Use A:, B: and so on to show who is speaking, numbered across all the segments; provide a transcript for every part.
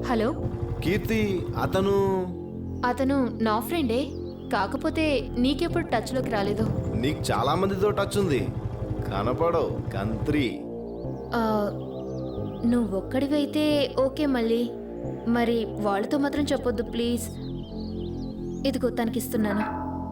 A: Hello
B: కీర్తి, అతను
A: నా ఫ్రెండే, కాకపోతే నీకెప్పుడు టచ్లోకి రాలేదు.
B: నీకు చాలా మందితో టచ్ ఉంది, కనపడవు కంత్రి.
A: నువ్వొక్కడివైతే ఓకే, మళ్ళీ మరి వాళ్ళతో మాత్రం చెప్పొద్దు ప్లీజ్. ఇదిగో తనకిస్తున్నాను.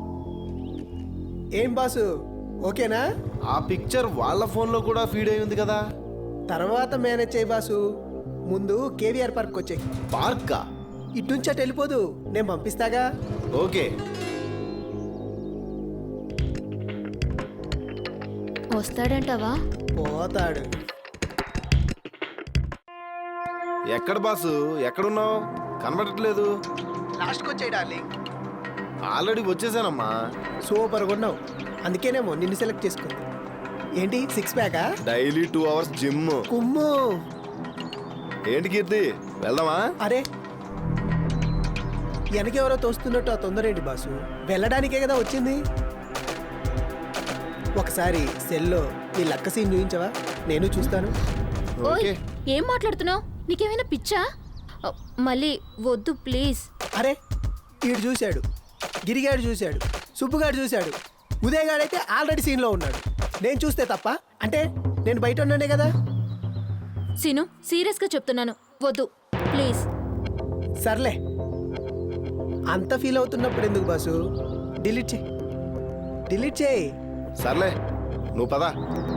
C: ఏం బాసు, ఓకేనా?
B: ఆ పిక్చర్ వాళ్ళ ఫోన్లో కూడా ఫీడ్ అయి ఉంది కదా.
C: తర్వాత మేనేజ్ చేయి బాసు. ముందు కేవీఆర్ పార్క్ వచ్చాయి.
B: పార్కా?
C: ఇటు నుంచి అటు వెళ్ళిపోదు, నేను పంపిస్తాగా.
B: ఓకే.
A: వస్తాడంటావా?
C: పోతాడు.
B: ఎక్కడ బాసు, ఎక్కడున్నావు? కనబడట్లేదు.
C: లాస్ట్కి వచ్చాయి డార్లింగ్.
B: ఆల్రెడీ వచ్చేసానమ్మా.
C: సూపర్గా ఉన్నావు, అందుకేనేమో నిన్ను సెలెక్ట్ చేసుకుంది. ఏంటి 6 ప్యాకా?
B: Daily 2 hours gym.
C: కుమ్ము.
B: ఏంటి కీర్తి, వెళ్దామా?
C: అరే వెనకెవరో తోస్తున్నట్టు ఆ తొందర ఏంటి బాసు? వెళ్ళడానికే కదా వచ్చింది. ఒకసారి సెల్లో నీ లక్క సీన్ చూపించవా? నేను చూస్తాను.
A: ఓయ్, ఏం మాట్లాడుతున్నావు? నీకేమైనా పిచ్చా? మళ్ళీ వద్దు ప్లీజ్.
C: అరే ఈడు చూశాడు, గిరిగాడు చూశాడు, సుబ్బుగాడు చూశాడు, ఉదయగాడైతే ఆల్రెడీ సీన్లో ఉన్నాడు. నేను చూస్తే తప్ప అంటే నేను బయట ఉన్నానే కదా.
A: సీను, సీరియస్గా చెప్తున్నాను, వద్దు ప్లీజ్.
C: సర్లే, అంత ఫీల్ అవుతున్నప్పుడు ఎందుకు బాసు? డిలీట్ చేయి, డిలీట్ చేయి.
B: సర్లే, నువ్వు పదా.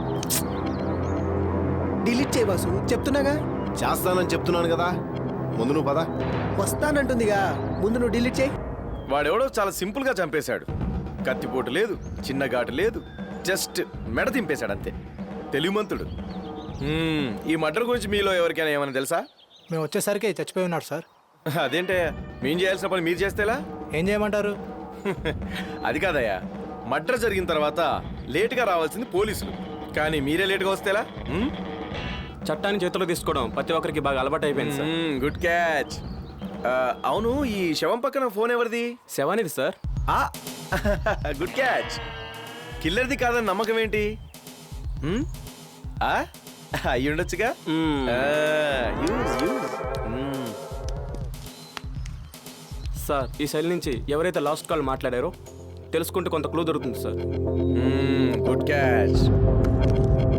C: డిలీట్ చేయి బాసు, చెప్తున్నాగా.
B: చేస్తానని చెప్తున్నాను కదా, ముందు నువ్వు పదా.
C: వస్తానంటుందిగా, ముందు నువ్వు డిలీట్ చేయి.
D: వాడెవడో చాలా సింపుల్ గా చంపేశాడు. కత్తిపోటు లేదు, చిన్న ఘాటు లేదు, జస్ట్ మెడ దింపేశాడు అంతే. తెలివిమంతుడు. ఈ మర్డర్ గురించి మీలో ఎవరికైనా ఏమైనా తెలుసా?
E: మేము వచ్చేసరికి చచ్చిపోయి ఉన్నాడు సార్.
D: అదేంటే, మేము చేయాల్సిన పని మీరు చేస్తేలా?
E: ఏం చేయమంటారు?
D: అది కాదయ్యా, మర్డర్ జరిగిన తర్వాత లేటుగా రావాల్సింది పోలీసులు, కానీ మీరే లేటుగా వస్తేలా?
F: చట్టాన్ని చేతిలో తీసుకోవడం ప్రతి ఒక్కరికి బాగా అలవాటు అయిపోయింది సార్.
D: Good catch. అవును, ఈ శవం పక్కన ఫోన్ ఎవరిది?
F: శవానిది సార్.
D: Good catch. కిల్లర్ది కాదని నమ్మకం ఏంటి? అయ్యి ఉండొచ్చుగా.
F: సార్, ఈ సెల్ నుంచి ఎవరైతే లాస్ట్ కాల్ మాట్లాడారో తెలుసుకుంటే కొంత క్లూ దొరుకుతుంది సార్.
D: Good catch.